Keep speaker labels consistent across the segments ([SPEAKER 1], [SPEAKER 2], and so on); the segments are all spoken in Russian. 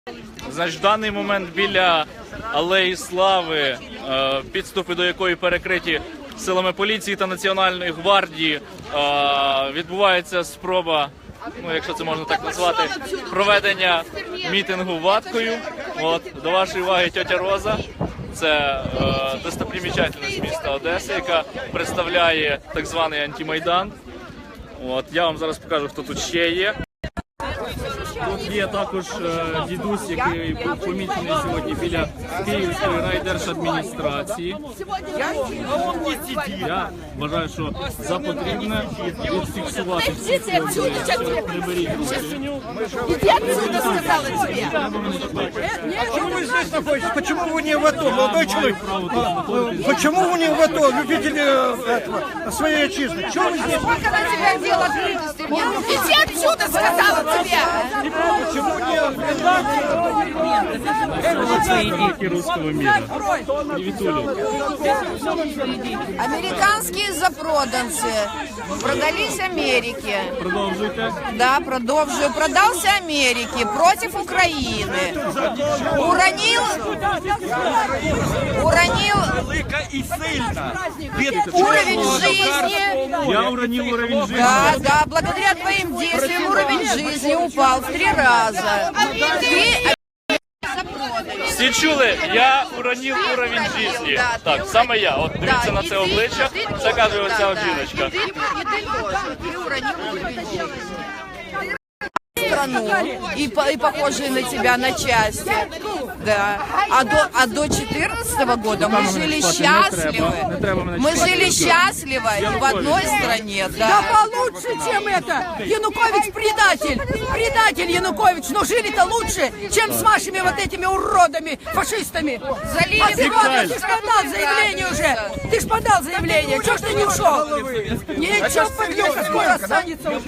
[SPEAKER 1] Значить, в даний момент біля Алеї Слави, підступи до якої перекриті силами поліції та Національної гвардії, відбувається спроба, ну, якщо це можна так назвати, проведення мітингу ваткою. От, до вашої уваги тьотя Роза. Це достопримічательність міста Одеси, яка представляє так званий антимайдан. От, я вам зараз покажу, хто тут ще є. Тут є також дідусь, який був помічений сьогодні біля Київської райдержадміністрації. Я вважаю, що за потрібне відфіксувати всі ці об'єкти. Приберіть руки.
[SPEAKER 2] Почему вы не в АТО, молодой человек? Почему вы не в АТО, любители своей отчизны? Чего вы здесь?
[SPEAKER 3] Сколько на тебя дело открытости? Иди отсюда, сказала тебе!
[SPEAKER 2] Почему не?
[SPEAKER 1] Русского мира.
[SPEAKER 3] Американские запроданцы продались Америке.
[SPEAKER 1] Продовжуйте.
[SPEAKER 3] Да, продолжаю. Продался Америке против Украины. Уронил уровень жизни.
[SPEAKER 1] Я уронил уровень жизни.
[SPEAKER 3] Да, да, благодаря твоим действиям уровень жизни упал в 3 раза.
[SPEAKER 1] Всі чули? Я уронив уровень життя. Так, саме я. От дивіться на це обличчя. Це каже оця от жіночка.
[SPEAKER 3] Ты уронил уровень жизни. Страну и похожие на тебя на части, да. А до 14 года мы жили счастливо. Мы жили счастливо в одной стране, да.
[SPEAKER 4] Да получше, чем это. Янукович предатель. Предатель Янукович. Но жили-то лучше, чем с вашими вот этими уродами, фашистами.
[SPEAKER 3] Залили
[SPEAKER 4] А сегодня ты ж подал заявление уже. Ты ж подал заявление. Чего ж ты не ушел? Ничего, подлюка, скоро останется уже.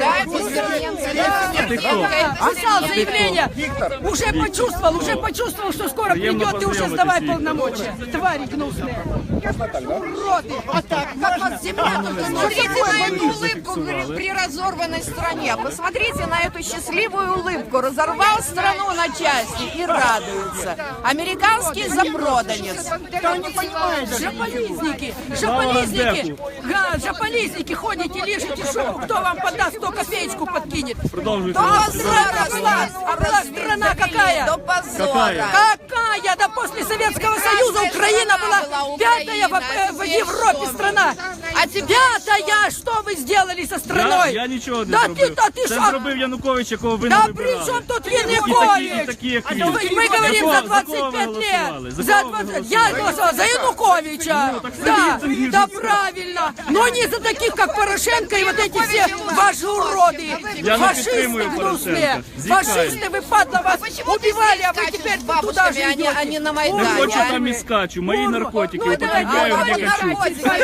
[SPEAKER 4] Писал заявление. Уже почувствовал, что скоро придет и уже сдавай полномочия. Твари гнусные. Уроды. А так, как вас земля тут.
[SPEAKER 3] Посмотрите на эту улыбку при разорванной стране. Посмотрите на эту счастливую улыбку. Разорвал страну на части и радуется. Американский запроданец.
[SPEAKER 4] Жополизники. Жополизники. Жополизники. Ходите, лежите шубу. Кто вам подаст, кто копеечку подкинет.
[SPEAKER 1] Продовжуйте.
[SPEAKER 4] А была страна какая?
[SPEAKER 3] До позора.
[SPEAKER 4] Какая? Да после Советского Союза Украина была 5-я в Европе страна.
[SPEAKER 3] А теперь
[SPEAKER 4] 5-я! Что вы сделали со страной?
[SPEAKER 1] Я нічого не
[SPEAKER 4] Да
[SPEAKER 1] зробив.
[SPEAKER 4] ты
[SPEAKER 1] Це
[SPEAKER 4] что?
[SPEAKER 1] зробив Янукович, якого ви не
[SPEAKER 4] Да
[SPEAKER 1] вибирали.
[SPEAKER 4] при чем тут
[SPEAKER 1] І
[SPEAKER 4] Янукович?
[SPEAKER 1] такі, як він.
[SPEAKER 4] Мы говорим за 25 лет. Я голосовал за Януковича. Да, да, правильно. Но не за таких, как Порошенко и вот эти все ваши уроды.
[SPEAKER 1] Я не
[SPEAKER 4] Фашисты
[SPEAKER 1] підтримую
[SPEAKER 4] гнусные.
[SPEAKER 1] Порошенка. Зікай.
[SPEAKER 4] Фашисты, вы падла вас убивали, а вы теперь туда же
[SPEAKER 3] бабушками,
[SPEAKER 4] идете.
[SPEAKER 3] а не на
[SPEAKER 1] Не
[SPEAKER 3] Майдане.
[SPEAKER 1] хочу там і скачу. Мої наркотики употребляю,
[SPEAKER 4] давай,
[SPEAKER 1] не хочу.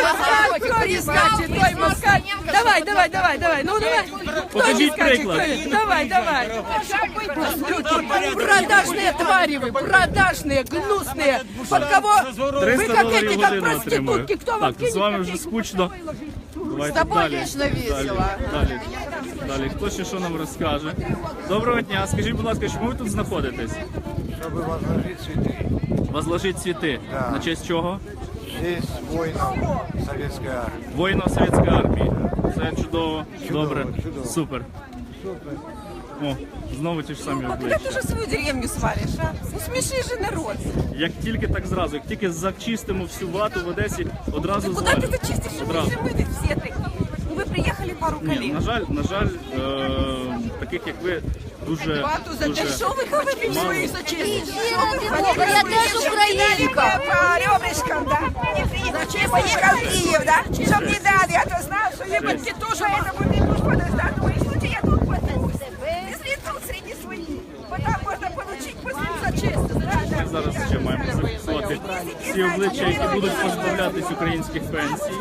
[SPEAKER 4] Давай, давай, давай, давай. Ну давай.
[SPEAKER 1] Покажіть приклад.
[SPEAKER 4] Давай, давай. Продажные твари вы, продажные, гнусные. Под кого? Вы
[SPEAKER 1] 300
[SPEAKER 4] как
[SPEAKER 1] доларів
[SPEAKER 4] эти,
[SPEAKER 1] в
[SPEAKER 4] как
[SPEAKER 1] годину отримую.
[SPEAKER 4] проститутки. Кто вам
[SPEAKER 1] Так, з вами
[SPEAKER 4] кинет
[SPEAKER 1] вже
[SPEAKER 4] копейку?
[SPEAKER 1] скучно. Давайте
[SPEAKER 3] З тобою
[SPEAKER 1] далі.
[SPEAKER 3] вічно весело.
[SPEAKER 1] Далі. Хто ще що нам розкаже? Доброго дня. Скажіть, будь ласка, чому ви тут знаходитесь?
[SPEAKER 2] Чтобы возложить цветы.
[SPEAKER 1] Возложить цвіти.
[SPEAKER 2] Да.
[SPEAKER 1] На честь чого?
[SPEAKER 2] Здесь воинов советской армии.
[SPEAKER 1] Воїнів Совєтської армії. Це чудово. Добре.
[SPEAKER 2] чудово.
[SPEAKER 1] Супер. О, знову ті ж самі
[SPEAKER 5] Когда
[SPEAKER 1] обличчя.
[SPEAKER 5] ты уже свою деревню свалишь, а? Ну смеши же народ.
[SPEAKER 1] Як тільки так зразу, як тільки зачистимо всю вату в Одесі, одразу
[SPEAKER 5] Куда ты
[SPEAKER 1] звалимо.
[SPEAKER 5] зачистишь? Мы
[SPEAKER 1] Одразу.
[SPEAKER 5] же мы ведь все такие. Ну вы приехали пару
[SPEAKER 1] Ні,
[SPEAKER 5] коллег.
[SPEAKER 1] на жаль, таких як ви дуже
[SPEAKER 5] Что вы говорите?
[SPEAKER 1] мало.
[SPEAKER 3] Я теж українка.
[SPEAKER 5] По ребрышкам, да? Зачем поехал в Киев, да? Чтоб не дали, а то знал, что ебать тоже. Поэтому ты будешь подождать. Ну, если я тут подаюсь. Если тут среди своих, потом можно получить после за честь.
[SPEAKER 1] Ми зараз ще маємо зафіксувати всі обличчя, які будуть позбавлятись українських пенсій.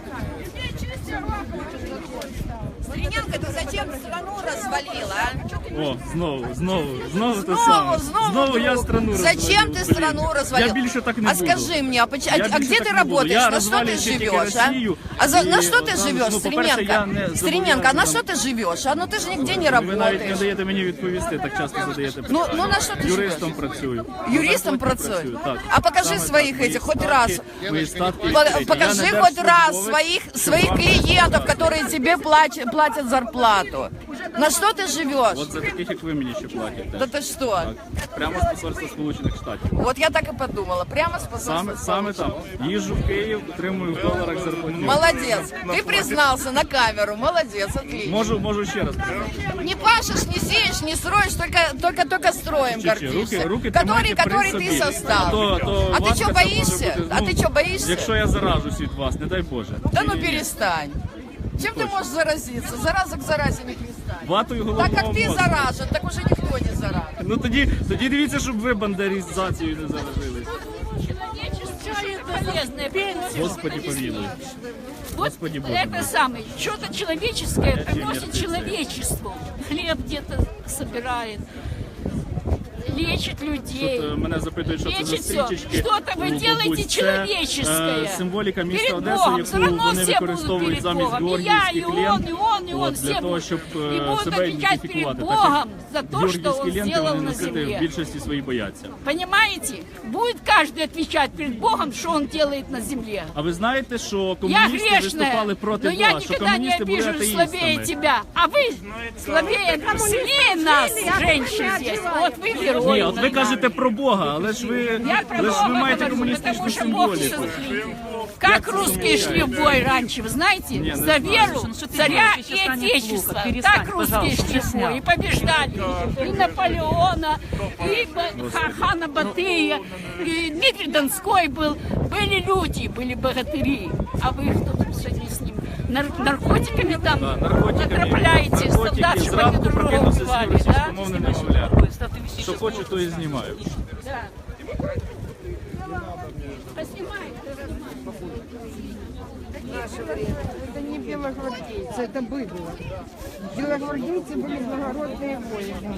[SPEAKER 3] Стриненко, ты зачем страну развалила, а?
[SPEAKER 1] О, знову те саме. Знову я страну розвалю.
[SPEAKER 3] Зачем ты страну развалил?
[SPEAKER 1] Я больше так не
[SPEAKER 3] А
[SPEAKER 1] буду.
[SPEAKER 3] скажи мне,
[SPEAKER 1] Я
[SPEAKER 3] а
[SPEAKER 1] більше
[SPEAKER 3] где
[SPEAKER 1] так
[SPEAKER 3] ты
[SPEAKER 1] не буду.
[SPEAKER 3] работаешь?
[SPEAKER 1] Я
[SPEAKER 3] На что ты
[SPEAKER 1] розвалюю тільки
[SPEAKER 3] живешь, а?
[SPEAKER 1] Росію.
[SPEAKER 3] На
[SPEAKER 1] І,
[SPEAKER 3] что ты живешь,
[SPEAKER 1] ну, по-перше, я не
[SPEAKER 3] Стременко? Стременко, а на что ты живешь? А ну ты же нигде не
[SPEAKER 1] Ви навіть не
[SPEAKER 3] работаешь.
[SPEAKER 1] даєте мені відповісти, так часто задаєте питання.
[SPEAKER 3] Ну на что ты
[SPEAKER 1] Юристом
[SPEAKER 3] живешь?
[SPEAKER 1] працюю.
[SPEAKER 3] Юристом
[SPEAKER 1] працюю,
[SPEAKER 3] працюю?
[SPEAKER 1] так.
[SPEAKER 3] А покажи
[SPEAKER 1] Саме
[SPEAKER 3] своих
[SPEAKER 1] так.
[SPEAKER 3] этих хоть
[SPEAKER 1] Мої
[SPEAKER 3] раз.
[SPEAKER 1] статки, мої статки.
[SPEAKER 3] Покажи
[SPEAKER 1] Я не
[SPEAKER 3] хоть раз
[SPEAKER 1] держслужбовець,
[SPEAKER 3] своих
[SPEAKER 1] щоб вам-
[SPEAKER 3] клиентов, которые тебе платят зарплату. На что ты живешь?
[SPEAKER 1] От за таких, як ви, мені ще платять.
[SPEAKER 3] Да ты что?
[SPEAKER 1] Прямо з посольства Сполучених Штатів.
[SPEAKER 3] Вот я так и подумала. Прямо с посольства.
[SPEAKER 1] Саме там. Їжджу в Київ, отримую в доларах зарплатню.
[SPEAKER 3] Молодец. Ты признался на камеру. Молодец, отлично.
[SPEAKER 1] Можу ще раз сказати.
[SPEAKER 3] Не пашешь, не сеешь, не строишь, только строим гордишься.
[SPEAKER 1] Руки тримайте при
[SPEAKER 3] Который
[SPEAKER 1] собі.
[SPEAKER 3] ты создал.
[SPEAKER 1] То
[SPEAKER 3] А ты
[SPEAKER 1] важко
[SPEAKER 3] что,
[SPEAKER 1] це
[SPEAKER 3] боишься?
[SPEAKER 1] може бути.
[SPEAKER 3] А ты что, боишься?
[SPEAKER 1] Якщо я заражусь від вас, не дай Боже.
[SPEAKER 3] Да ну перестань. Чем ты можешь заразиться? Зараза к заразе не пристань.
[SPEAKER 1] Ватою
[SPEAKER 3] Так
[SPEAKER 1] головного
[SPEAKER 3] как ты
[SPEAKER 1] мозку.
[SPEAKER 3] заражен, так уже никто не заражен.
[SPEAKER 1] Ну тоді дивіться, щоб ви бандерізацією не заражились.
[SPEAKER 6] Полезная пенсия.
[SPEAKER 1] Господи помилуй.
[SPEAKER 6] Вот
[SPEAKER 1] Господи Боже
[SPEAKER 6] это
[SPEAKER 1] мой.
[SPEAKER 6] самое, что-то человеческое приносит
[SPEAKER 1] мертвецы.
[SPEAKER 6] человечеству. Хлеб где-то собирает, лечит людей.
[SPEAKER 1] Тут мене запитують, що це за
[SPEAKER 6] Лечить всё.
[SPEAKER 1] стрічечки.
[SPEAKER 6] Что-то вы
[SPEAKER 1] у
[SPEAKER 6] делаете
[SPEAKER 1] бабусь. Це,
[SPEAKER 6] человеческое.
[SPEAKER 1] символіка міста
[SPEAKER 6] Перед
[SPEAKER 1] Одеси,
[SPEAKER 6] Богом. Все
[SPEAKER 1] яку
[SPEAKER 6] равно
[SPEAKER 1] вони
[SPEAKER 6] все будут
[SPEAKER 1] використовують
[SPEAKER 6] перед
[SPEAKER 1] замість
[SPEAKER 6] Богом. И я,
[SPEAKER 1] георгіївських
[SPEAKER 6] и
[SPEAKER 1] лент.
[SPEAKER 6] он, и он,
[SPEAKER 1] От,
[SPEAKER 6] все
[SPEAKER 1] для того,
[SPEAKER 6] будут.
[SPEAKER 1] щоб
[SPEAKER 6] И будут
[SPEAKER 1] себе
[SPEAKER 6] отвечать перед
[SPEAKER 1] ідентифікувати.
[SPEAKER 6] Богом за то, что
[SPEAKER 1] георгіївські
[SPEAKER 6] он
[SPEAKER 1] ленти
[SPEAKER 6] сделал
[SPEAKER 1] вони
[SPEAKER 6] на
[SPEAKER 1] носити в
[SPEAKER 6] земле.
[SPEAKER 1] більшості своїй бояться.
[SPEAKER 6] Понимаете? Будет каждый отвечать перед Богом, что он делает на земле.
[SPEAKER 1] А ви знаєте, що
[SPEAKER 6] Я
[SPEAKER 1] комуністи
[SPEAKER 6] грешная,
[SPEAKER 1] виступали проти
[SPEAKER 6] но я
[SPEAKER 1] вас, що
[SPEAKER 6] никогда не
[SPEAKER 1] комуністи були
[SPEAKER 6] обижу слабее
[SPEAKER 1] атеїстами?
[SPEAKER 6] тебя. А вы слабее, сильнее нас, женщин здесь. Вот вы герои.
[SPEAKER 1] Ні, от ви кажете про Бога, але ж ви,
[SPEAKER 6] Я про
[SPEAKER 1] але ж ви
[SPEAKER 6] Бога
[SPEAKER 1] маєте
[SPEAKER 6] говорю,
[SPEAKER 1] комуністичну
[SPEAKER 6] потому что Бог
[SPEAKER 1] символіку.
[SPEAKER 6] как русские шли в бой раньше, вы знаете?
[SPEAKER 1] Не
[SPEAKER 6] За
[SPEAKER 1] знаю.
[SPEAKER 6] веру, царя и отечества. Так русские шли в бой и побеждали. И Наполеона, и хана Батыя, и Дмитрий Донской был. Были люди, были богатыри. А вы кто тут сегодня с ним? Наркотиками там отравляете, солдат, чтобы они
[SPEAKER 1] зранку
[SPEAKER 6] друг друга
[SPEAKER 1] прокинувся з
[SPEAKER 6] убивали, да?
[SPEAKER 1] російськомовним немовлям. Що хочу, то і знімаю.
[SPEAKER 6] Да. Поснимай.
[SPEAKER 7] Это не белогвардейцы, это быдло. Белогвардейцы были благородные воины.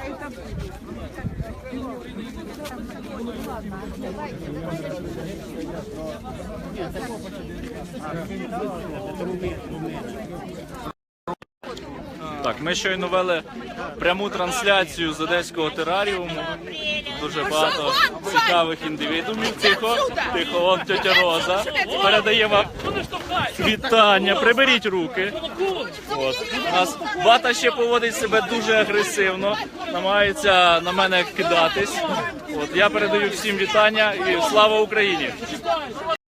[SPEAKER 1] Так, ми щойно вели пряму трансляцію з одеського тераріуму. Дуже багато цікавих індивідумів. Тихо, вон тетя Роза передає вам вітання. Приберіть руки. От. У нас Бата ще поводить себе дуже агресивно, намагається на мене кидатись. От. Я передаю всім вітання і слава Україні!